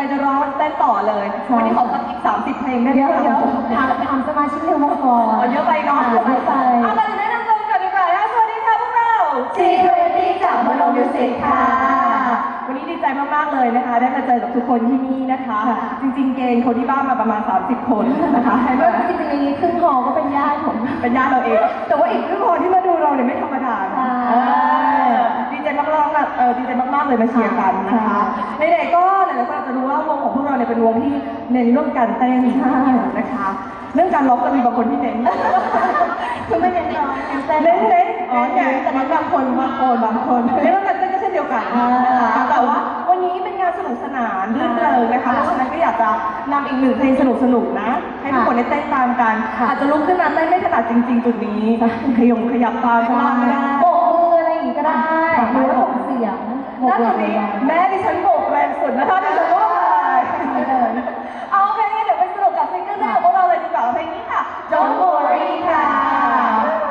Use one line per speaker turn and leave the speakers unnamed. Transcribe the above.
จะร้องเต้นต่อเลยวันนี้ขอสักอีก30 เพลงได้ไหม
เดี๋ยวถามสมาชิกในวงก่อน
เยอะไปเนาะ
ไป
เอามาแนะนำตัวกันดีกว่าสวัสดีค่ะพวกเรา
G20 จากโมโนมิวสิกค่ะ
วันนี้ดีใจมากๆเลยนะคะได้มาเจอกับทุกคนที่นี่นะคะ จริงๆเกณฑ์คนที่บ้านมาประมาณ30 คนนะคะให้
ก็
มา
จริงๆในนี้ครึ่งหอก็เป็นญาติผม
เป็นญาติเราเอง แต่ว่าอีกครึ่งคนที่มาดูเราเนี่ยไม่ธรรมดาดีใจมากๆดีใจมากๆเลยมาเชียร์กันนะคะในไหนๆก็หลายๆคนอาจจะรู้ว่าวงของพวกเราเนี่ยเป็นวงที่เน้นเรื่องการเต้นนะคะเรื่องการร้องก็มีบางคนที่เน้น
คือไม่เน้นร้องเต้น
เน้นแต่บางคนเรื่องการเต้นก็เช่นเดียวกันนะคะแต่ว่าวันนี้เป็นงานสนุกสนานรื่นเริงนะคะเพราะฉะนั้นก็อยากจะนำอีกหนึ่งเพลงสนุกๆนะให้ทุกคนได้เต้นตามกันอาจจะลุกขึ้นมาเต้นไม่ถนัดจริงๆจุดนี้ขยับตามข้างล่างก็ได้
โบกมืออะไรอย่างงี้ก็ได้หรือว่าส่งเสียง
ล่าสุดนี้แม่ดิฉันโบ